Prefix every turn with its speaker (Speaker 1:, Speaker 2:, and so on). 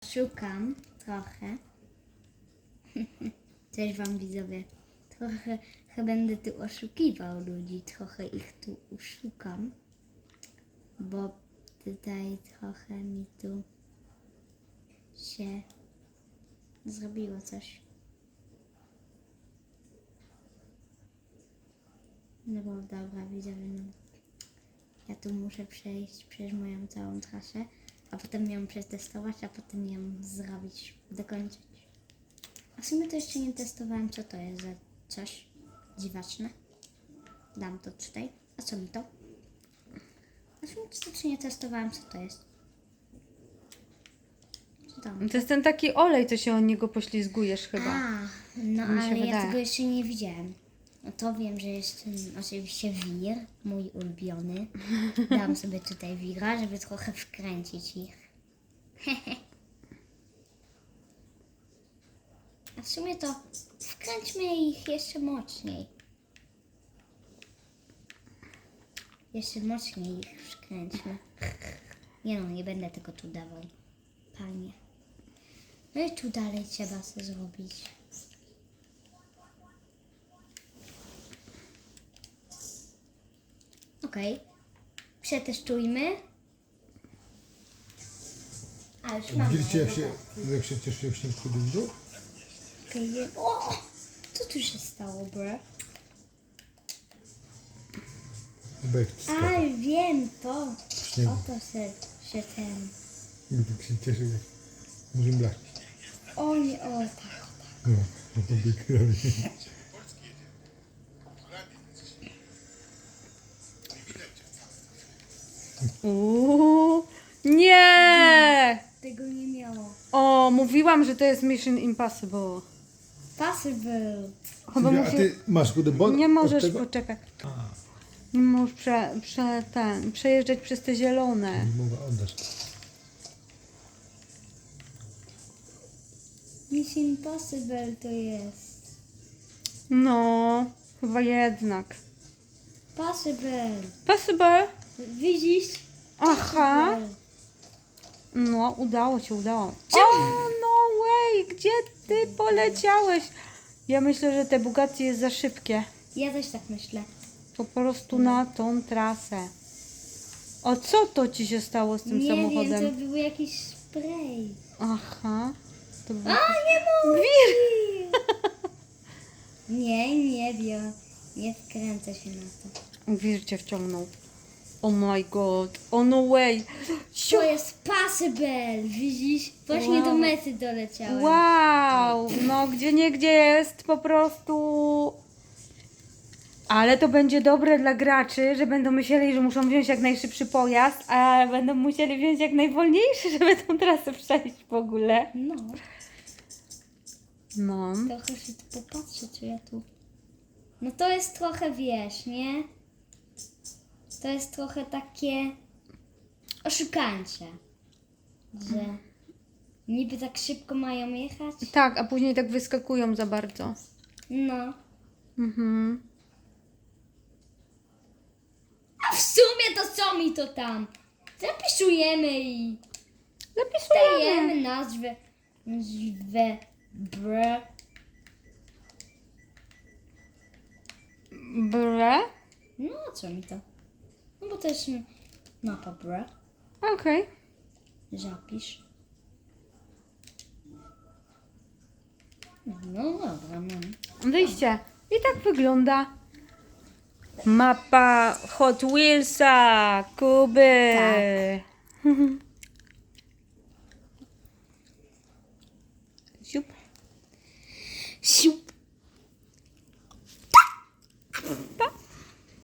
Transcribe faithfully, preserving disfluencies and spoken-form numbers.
Speaker 1: oszukam trochę. Cześć wam widzowie. Trochę chyba będę tu oszukiwał ludzi, trochę ich tu oszukam. Bo tutaj trochę mi tu się zrobiło coś. No bo dobra widzowie, no. Ja tu muszę przejść przez moją całą trasę, a potem ją przetestować, a potem ją zrobić, dokończyć. A w sumie to jeszcze nie testowałem, co to jest za coś dziwaczne. Dam to tutaj. A co mi to? A w sumie to jeszcze nie testowałem, co to jest. Co tam?
Speaker 2: To jest ten taki olej, co się od niego poślizgujesz chyba.
Speaker 1: A, no
Speaker 2: Mi się
Speaker 1: ale ja
Speaker 2: wydaje.
Speaker 1: tego jeszcze nie widziałem. No to wiem, że jest ten, oczywiście wir, mój ulubiony. Dam sobie tutaj wira, żeby trochę wkręcić ich. A w sumie to wkręćmy ich jeszcze mocniej. Jeszcze mocniej ich wkręćmy. Nie no, nie będę tego tu dawał. Panie. No i tu dalej trzeba co zrobić. Okej. Okay. Przetestujmy. A już mam.
Speaker 3: Widzicie jak się, jak się cieszy, jak się wchodzi w dół?
Speaker 1: Okay. O! Co tu się stało, bro?
Speaker 3: Bekt
Speaker 1: A,
Speaker 3: skaka.
Speaker 1: wiem to.
Speaker 3: Śniegu.
Speaker 1: Oto się, się ten.
Speaker 3: I tak się cieszy, jak może blać.
Speaker 1: O nie, o tak.
Speaker 3: No, no to byk robi.
Speaker 2: Uuu, nie!
Speaker 1: Tego nie miało.
Speaker 2: O, mówiłam, że to jest Mission Impossible.
Speaker 1: Possible.
Speaker 2: Chyba
Speaker 3: A
Speaker 2: musi...
Speaker 3: ty masz kudebon?
Speaker 2: Nie możesz poczekać. Nie możesz prze, prze, ten, przejeżdżać przez te zielone.
Speaker 3: Nie mogę oddać.
Speaker 1: Mission Impossible to jest.
Speaker 2: No, chyba jednak.
Speaker 1: Possible.
Speaker 2: Possible?
Speaker 1: Widzisz?
Speaker 2: Aha.
Speaker 1: Possible.
Speaker 2: No, udało się, udało. O, no way, gdzie ty poleciałeś? Ja myślę, że te Bugatti jest za szybkie.
Speaker 1: Ja też tak myślę.
Speaker 2: Po prostu na tą trasę. O, co to ci się stało z tym
Speaker 1: nie
Speaker 2: samochodem?
Speaker 1: wiem, to był jakiś spray.
Speaker 2: Aha. To był...
Speaker 1: A, nie mogę! Nie, nie wiem. Nie wkręcę się na to.
Speaker 2: Wir cię wciągnął. Oh my god. Oh no way.
Speaker 1: To jest possible, widzisz? Właśnie
Speaker 2: Wow.
Speaker 1: do mety doleciałem.
Speaker 2: Wow. No, gdzie nie gdzie jest po prostu... Ale to będzie dobre dla graczy, że będą myśleli, że muszą wziąć jak najszybszy pojazd, a będą musieli wziąć jak najwolniejszy, żeby tą trasę przejść w ogóle.
Speaker 1: No,
Speaker 2: No.
Speaker 1: trochę się tu popatrzę, czy ja tu... No to jest trochę, wiesz, nie? To jest trochę takie oszukańcze, że niby tak szybko mają jechać.
Speaker 2: Tak, a później tak wyskakują za bardzo.
Speaker 1: No.
Speaker 2: Mhm.
Speaker 1: A w sumie to co mi to tam? Zapisujemy i
Speaker 2: Zapisujemy.
Speaker 1: dajemy nazwę, nazwę br.
Speaker 2: Bre?
Speaker 1: No a co mi to? No bo to jest mapa br.
Speaker 2: Okej.
Speaker 1: Zapisz. No dobra, mam.
Speaker 2: Wyjście. I tak wygląda mapa Hot Wheelsa Kuby.
Speaker 1: Tak.
Speaker 2: Siup.
Speaker 1: Siup.